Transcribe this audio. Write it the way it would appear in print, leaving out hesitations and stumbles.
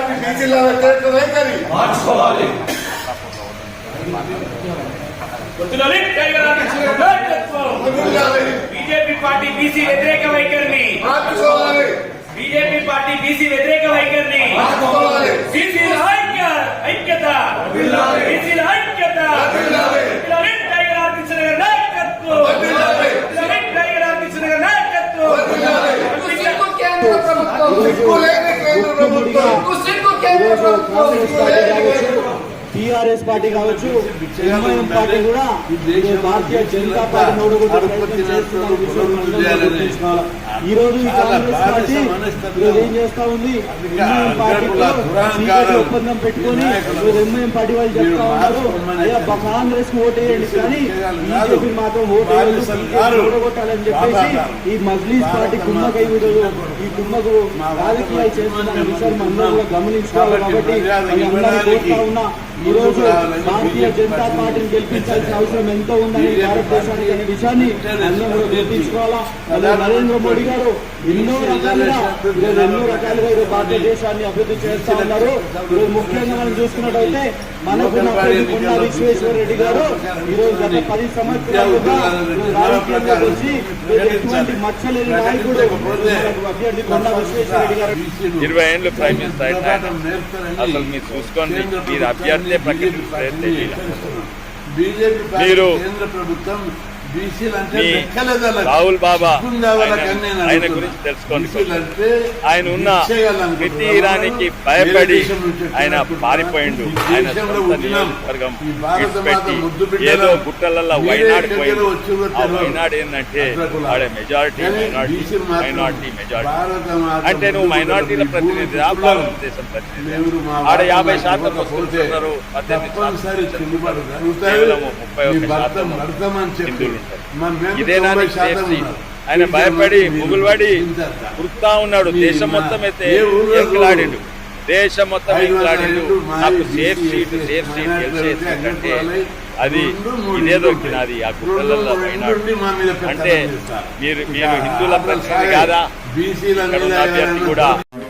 Party బీసీల వ్యతిరేక వైఖరి మార్చుకోవాలి. బీజేపీ పార్టీ బీసీ వ్యతిరేక వైఖరిని మార్చుకోవాలి. బీజేపీ పార్టీ బీసీ వ్యతిరేక వైఖరిని మార్చుకోవాలి. బీసీల ఐక్యత బీసీల ఐక్యత టైగర్ ఆర్కిషన్ గారి నాయకత్వం టైగర్ ఆర్కిషన్ గారి నాయకత్వం టీఆర్ఎస్ పార్టీ కావచ్చు, ఎంఐఎం పార్టీ కూడా భారతీయ జనతా పార్టీ ఈ రోజు కాంగ్రెస్ పార్టీ ఈరోజు ఏం చేస్తా ఉంది, ఎంఐఎం పార్టీతో ఒప్పందం పెట్టుకొని ఎంఐఎం పార్టీ వాళ్ళు చెప్తా ఉన్నారు, అయ్యా కాంగ్రెస్ కు ఓటు వేయండి కానీ బీజేపీ మాత్రం ఓటగొట్టాలని చెప్పేసి ఈ మజ్లీస్ పార్టీ కుమ్మకై ఈ కుమ్మకు రాజకీయాలు చేస్తున్న విషయాన్ని అందరూ కూడా గమనించుకోవాలి. కాబట్టి కోరుతా ఉన్నా ఈ రోజు భారతీయ జనతా పార్టీని గెలిపించాల్సిన అవసరం ఎంతో ఉందని భారతదేశానికి అనే విషయాన్ని అందరూ కూడా గుర్తించుకోవాలా. నరేంద్ర మోడీ గారు ఎన్నో రకాలుగా ఈరోజు భారతదేశాన్ని అభివృద్ధి చేస్తా ఉన్నారు. ఈరోజు ముఖ్యంగా మనం చూసుకున్నట్టయితే మనకున్న కొండా విశ్వేశ్వర రెడ్డి గారు ఈరోజు గత 10 సంవత్సరాలుగా రాజకీయంగా వచ్చి ఎటువంటి మచ్చలేని నాయకుడు అభ్యర్థి కొండా విశ్వేశ్వర రెడ్డి గారు 20 ఏళ్ళు ప్రైమ్ మినిస్టర్ అయినా అసలు మీరు చూసుకోండి, మీరు అభ్యర్థి ప్రకటించారు. మీరు రాహుల్ బాబా ఆయన గురించి తెలుసుకోండి. ఆయన ఉన్న ప్రతి ఇరానికి భయపడి ఆయన పారిపోయిండు. ఆయన నియోజకవర్గం విడిచిపెట్టి ఏదో గుట్టలల్లో వైనాడు పోయిండు. ఆ వైనాడు ఏంటంటే ఆడ మెజారిటీ మైనార్టీ మెజారిటీ అంటే నువ్వు మైనార్టీల ప్రతినిధి భారతదేశం ప్రతినిధి. ఆడ 50% వస్తున్నారు, 18% కేవలం 31% హిందువులు. ఇదేనా ఆయన భయపడి ముగులుబడి కురుతా ఉన్నాడు. దేశం మొత్తం అయితే ఎంకలాడిండు, దేశం మొత్తం ఎంకలాడిండు. నాకు సేఫ్ సీట్ గెలిచేసిందంటే అది ఇదే దొరికినది ఆ గుట్టలలో పోయినాడు. అంటే మీరు హిందువుల ప్రతినిధి కాదా? ఇక్కడ ఉన్న అభ్యర్థి కూడా